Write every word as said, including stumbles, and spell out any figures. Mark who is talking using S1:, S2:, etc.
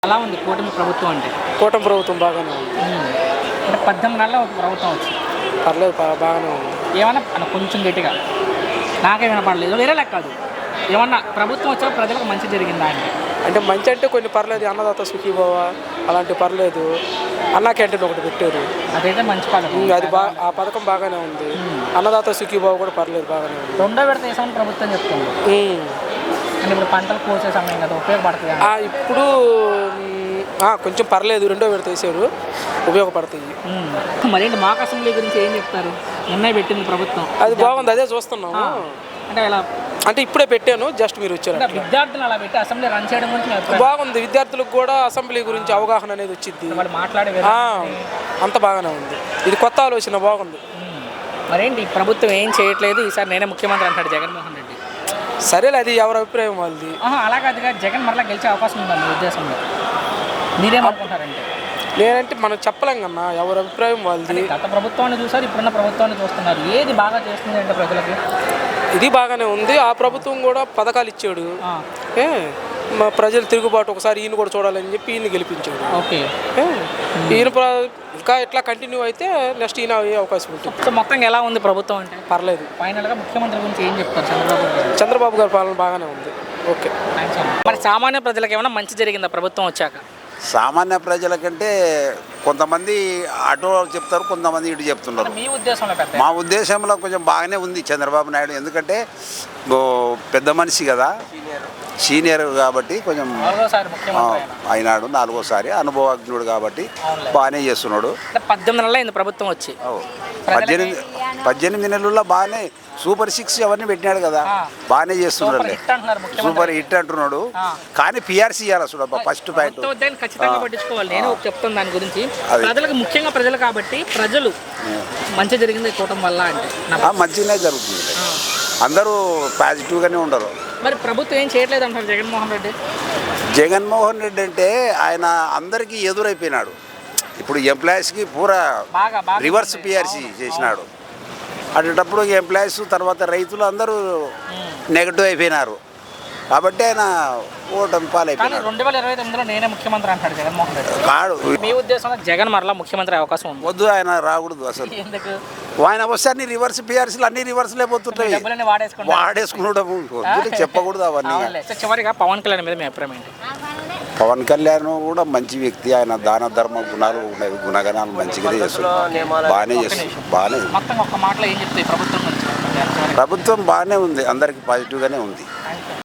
S1: ఎలా ఉంది కూటమి ప్రభుత్వం అంటే?
S2: కూటమి ప్రభుత్వం బాగానే ఉంది.
S1: హ్మ్. అంటే పద్దెనిమిది నెలల్లో ఒక ప్రభుత్వం వచ్చింది.
S2: పర్లేదు బా బాగానే ఉంది.
S1: ఏమన్నా అన్న కొంచెం గట్టిగా నాకే వినపడలేదు. వేరే లెక్క కాదు. ఏమన్నా ప్రభుత్వం వచ్చాక ప్రజలకు మంచి జరిగిందా అంటే?
S2: అంటే మంచి అంటే కొన్ని పర్లేదు, అన్నదాత సుఖీభవ అలాంటి పర్లేదు. అన్నా క్యాంటీన్ ఒకటి పెట్టారు,
S1: అదైతే మంచి పథకం.
S2: ఉమ్, అది బా ఆ పథకం బాగానే ఉంది. అన్నదాత సుఖీభవ కూడా పర్లేదు, బాగానే ఉంది.
S1: రెండో విడత వేసామని ప్రభుత్వం చెప్తుంది.
S2: ఉమ్.
S1: అంటే ఇప్పుడు పంటలు కోసే సమయం కదా, ఉపయోగపడుతుంది
S2: ఆ, ఇప్పుడు ఉమ్, ఆ, కొంచెం పర్లేదు, రెండో విడత వేసారు, ఉపయోగపడతాయి.
S1: మరేంటి మాక్ అసెంబ్లీ గురించి ఏం చెప్తారు? ఉన్నాయి పెట్టింది ప్రభుత్వం,
S2: అది బాగుంది, అదే చూస్తున్నాము.
S1: అంటే ఇలా
S2: అంటే ఇప్పుడే పెట్టాను, జస్ట్ మీరు వచ్చారు.
S1: అంటే విద్యార్థులు అలా పెట్టి అసెంబ్లీ రన్ చేయడం గురించి మీ అభిప్రాయం?
S2: బాగుంది, విద్యార్థులకు కూడా అసెంబ్లీ గురించి అవగాహన అనేది వచ్చింది.
S1: వాళ్ళు మాట్లాడే
S2: ఆ,
S1: విధానం
S2: అంత బాగానే ఉంది. ఇది కొత్త ఆలోచన, బాగుంది.
S1: మరేంటి ప్రభుత్వం ఏం చేయట్లేదు, ఈసారి నేనే ముఖ్యమంత్రి అంటాడు జగన్మోహన్ రెడ్డి.
S2: సరేలే, అది ఎవరి అభిప్రాయం వాళ్ళది.
S1: ఆహా, అలా కాదుగా, జగన్ మరలా గెలిచే అవకాశం ఉందా మీ ఉద్దేశంలో? మీరేమనుకుంటారంటే?
S2: నేనంటే మనం చెప్పలేం కన్నా, ఎవరి అభిప్రాయం వాళ్ళది.
S1: గత ప్రభుత్వాన్ని చూసారు, ఇప్పుడున్న ప్రభుత్వాన్ని చూస్తున్నారు, ఏది బాగా చేస్తుంది అంటే ప్రజలకి?
S2: ఇది బాగానే ఉంది. ఆ ప్రభుత్వం కూడా పథకాలు ఇచ్చాడు.
S1: ఆ,
S2: ఏ మా ప్రజలు తిరుగుబాటు ఒకసారి ఈయన కూడా చూడాలని చెప్పి ఈయన గెలిపించాడు.
S1: ఓకే.
S2: ఏ, ఈయన ప్ర- ఇంకా ఇట్లా కంటిన్యూ అయితే నెక్స్ట్ ఈయన అయ్యే అవకాశం ఉంటుంది.
S1: సో మొత్తంగా ఎలా ఉంది ప్రభుత్వం అంటే?
S2: పర్లేదు.
S1: ఫైనల్గా ముఖ్యమంత్రి గురించి ఏం చెప్తారు చంద్రబాబు గారు?
S2: చంద్రబాబు గారి పాలన బాగానే ఉంది. ఓకే.
S1: థ్యాంక్స్ అన్న. మరి సామాన్య ప్రజలకు ఏమైనా మంచి జరిగిందా ప్రభుత్వం వచ్చాక?
S3: సామాన్య ప్రజలకంటే కొంతమంది అటు చెప్తారు, కొంతమంది ఇటు చెప్తున్నారు.
S1: మీ ఉద్దేశంలో పెద్ద
S3: మా ఉద్దేశంలో కొంచెం బాగానే ఉంది చంద్రబాబు నాయుడు, ఎందుకంటే ఓ పెద్ద మనిషి కదా, సీనియర్ కాబట్టి కొంచెం
S1: నాలుగోసారి
S3: ఆ,
S1: ముఖ్యమంత్రి అయినా.
S3: అయినాడు, నాలుగోసారి అనుభవజ్ఞుడు కాబట్టి
S1: అవునులే.
S3: బాగానే చేస్తున్నాడు.
S1: అంటే పద్దెనిమిది నెలలు అయింది ప్రభుత్వం వచ్చి.
S3: ఓ, పద్దెనిమిది పద్దెనిమిది నెలల్లో బాగానే సూపర్ సిక్స్ అవన్నీ పెట్టినాడు కదా,
S1: ఆ.
S3: బాగానే
S1: సూపర్
S3: చేస్తున్నాడు.
S1: హిట్ అంటున్నారు ముఖ్యమంత్రి.
S3: సూపర్ హిట్ అంటున్నాడు.
S1: ఆ.
S3: కానీ పిఆర్సీ ఇవ్వాలి చూడ ఫస్ట్ పాయింట్.
S1: ప్రభుత్వ ఉద్యోగాన్ని ఖచ్చితంగా పట్టించుకోవాలి. నేను చెప్తాను దాని గురించి.
S3: అది.
S1: ప్రజలకు ముఖ్యంగా ప్రజలు కాబట్టి ప్రజలు మంచి జరిగింది ఈ కూటమి వల్ల అంటే నా-
S3: మంచిగానే జరుగుతుంది,
S1: ఆ.
S3: అందరూ పాజిటివ్గానే ఉండరు.
S1: మరి ప్రభుత్వం ఏం చేయట్లేదు అంటారు జగన్మోహన్ రెడ్డి?
S3: జగన్మోహన్ రెడ్డి అంటే ఆయన అందరికీ ఎదురైపోయినాడు. ఇప్పుడు ఎంప్లాయీస్కి పూరా
S1: బాగా బాగా
S3: రివర్స్
S1: ఉంది.
S3: పిఆర్సీ
S1: అవును.
S3: చేసినాడు. అటప్పుడు ఎంప్లాయీస్ తర్వాత రైతులు అందరూ నెగటివ్ అయిపోయినారు కాబట్టి ఆయన ఓటమి
S1: కానీ
S3: పాలైపోయినాడు.
S1: రెండు వేల ఇరవై తొమ్మిదిలో నేనే ముఖ్యమంత్రి అంటాడు జగన్మోహన్ రెడ్డి.
S3: కాడు
S1: మీ ఉద్దేశంలో జగన్ మరలా ముఖ్యమంత్రి అవకాశం ఉంది?
S3: వద్దు, ఆయన రాకూడదు అసలు.
S1: ఎందుకు?
S3: ఆయన వస్తే అన్ని రివర్స్ పిఆర్సీలు అన్ని రివర్స్లే పోతుంటాయి.
S1: డబ్బులన్నీ వాడేసుకుంటారు.
S3: వాడేసుకున్నాడు, వద్దు, చెప్పకూడదు అవన్నీ.
S1: అవునులే. సో చివరిగా పవన్ కళ్యాణ్ మీద మీ అభిప్రాయం ఏంటి?
S3: పవన్ కళ్యాణ్ కూడా మంచి వ్యక్తి, ఆయన దాన ధర్మ గుణాలు ఉన్నాయి, గుణగణాలు మంచిగానే చేస్తున్నాడు, బాగానే చేస్తున్నాడు, బాగానే.
S1: మొత్తం ఒక్క మాటలో ఏం చెప్తాయి ప్రభుత్వం గురించి?
S3: ప్రభుత్వం బాగానే ఉంది, అందరికీ పాజిటివ్గానే ఉంది.